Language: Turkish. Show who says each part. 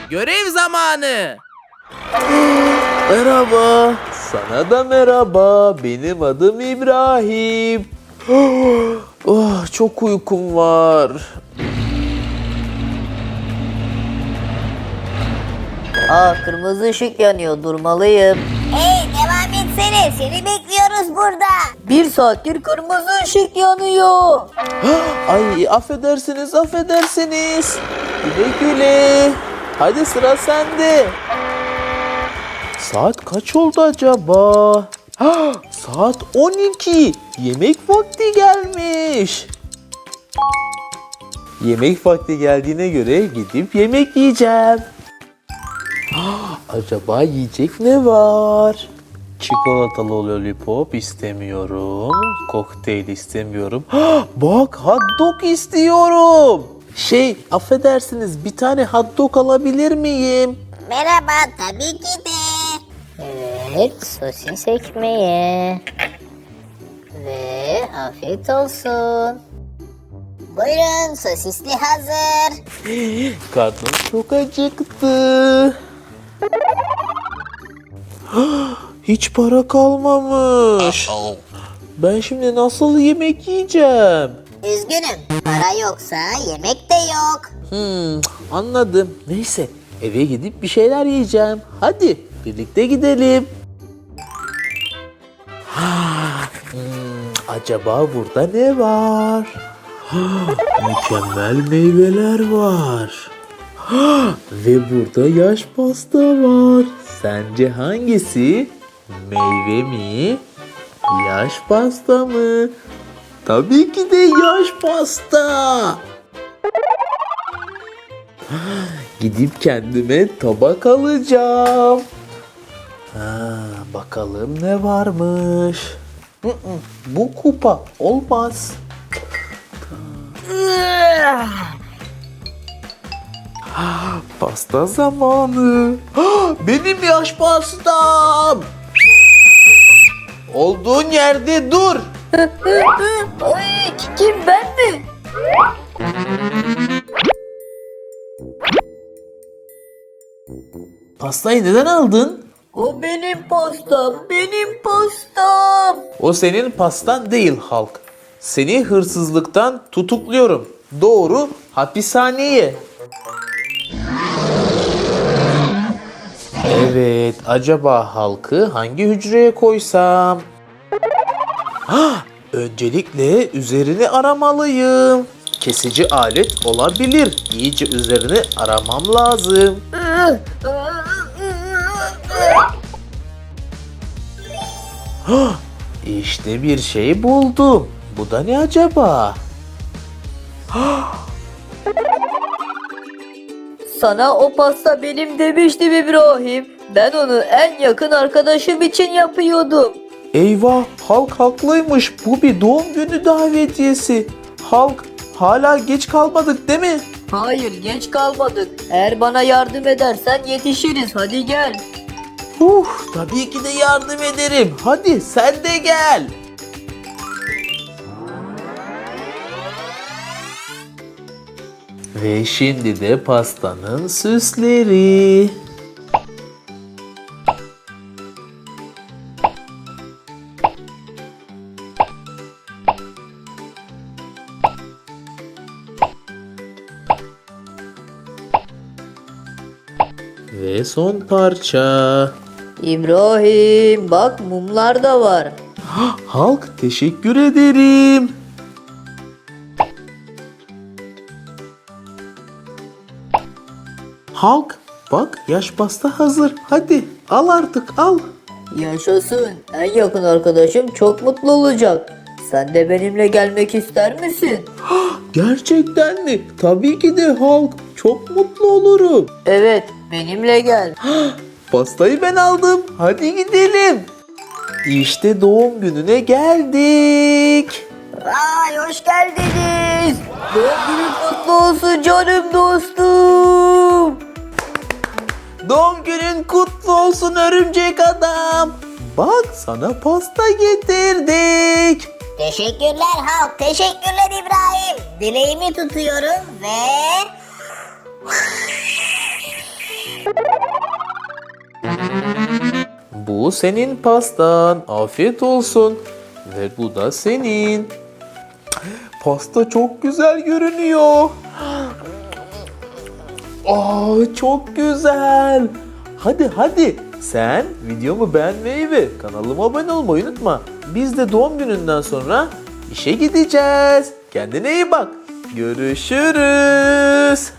Speaker 1: görev zamanı.
Speaker 2: Merhaba. Sana da merhaba. Benim adım İbrahim. Oh, çok uykum var.
Speaker 3: Kırmızı ışık yanıyor, durmalıyım.
Speaker 4: Hey, devam etsene, seni bekliyoruz burada.
Speaker 3: 1 saattir kırmızı ışık yanıyor.
Speaker 2: Ay, affedersiniz. Güle güle. Hadi sıra sende. Saat kaç oldu acaba? Saat 12. Yemek vakti gelmiş. Yemek vakti geldiğine göre gidip yemek yiyeceğim. Acaba yiyecek ne var? Çikolatalı lollipop istemiyorum. Kokteyl istemiyorum. Bak, hot dog istiyorum. Affedersiniz, bir tane hot dog alabilir miyim?
Speaker 4: Merhaba, tabii ki de.
Speaker 3: Evet, sosis ekmeği. Ve afiyet olsun.
Speaker 4: Buyurun, sosisli hazır.
Speaker 2: Karnım çok acıktı. Hiç para kalmamış. Ben şimdi nasıl yemek yiyeceğim?
Speaker 4: Üzgünüm, para yoksa yemek de yok.
Speaker 2: Anladım. Neyse, eve gidip bir şeyler yiyeceğim. Hadi birlikte gidelim. Acaba burada ne var? Mükemmel meyveler var. Ve burada yaş pasta var. Sence hangisi? Meyve mi? Yaş pasta mı? Tabii ki de yaş pasta. Gidip kendime tabak alacağım. Bakalım ne varmış. Bu kupa olmaz. Pasta zamanı. Benim yaş pastam. Olduğun yerde dur.
Speaker 3: Ay, kim, ben mi?
Speaker 2: Pastayı neden aldın?
Speaker 3: O benim pastam, benim pastam.
Speaker 2: O senin pastan değil Halk. Seni hırsızlıktan tutukluyorum. Doğru hapishaneye. Evet, acaba Halk'ı hangi hücreye koysam? Öncelikle üzerini aramalıyım. Kesici alet olabilir. İyice üzerini aramam lazım. İşte bir şey buldum. Bu da ne acaba?
Speaker 3: Sana o pasta benim demiştim İbrahim. Ben onu en yakın arkadaşım için yapıyordum.
Speaker 2: Eyvah, Halk haklıymış. Bu bir doğum günü davetiyesi. Halk, hala geç kalmadık değil mi?
Speaker 3: Hayır, geç kalmadık. Eğer bana yardım edersen yetişiriz. Hadi gel.
Speaker 2: Tabii ki de yardım ederim. Hadi sen de gel. Ve şimdi de pastanın süsleri. Ve son parça.
Speaker 3: İbrahim, bak mumlar da var.
Speaker 2: Halk, teşekkür ederim. Halk, bak yaş pasta hazır. Hadi al artık, al.
Speaker 3: Yaşasın. En yakın arkadaşım çok mutlu olacak. Sen de benimle gelmek ister misin?
Speaker 2: Gerçekten mi? Tabii ki de Halk. Çok mutlu olurum.
Speaker 3: Evet, benimle gel.
Speaker 2: Pastayı ben aldım. Hadi gidelim. İşte doğum gününe geldik.
Speaker 3: Ay, hoş geldiniz. Doğum günün kutlu olsun canım dostum.
Speaker 2: Doğum günün kutlu olsun örümcek adam. Bak, sana pasta getirdik.
Speaker 4: Teşekkürler Halk, teşekkürler İbrahim. Dileğimi tutuyorum ve...
Speaker 2: Bu senin pastan. Afiyet olsun. Ve bu da senin. Pasta çok güzel görünüyor. Aa, çok güzel. Hadi. Sen videomu beğenmeyi ve kanalıma abone olmayı unutma. Biz de doğum gününden sonra işe gideceğiz. Kendine iyi bak. Görüşürüz.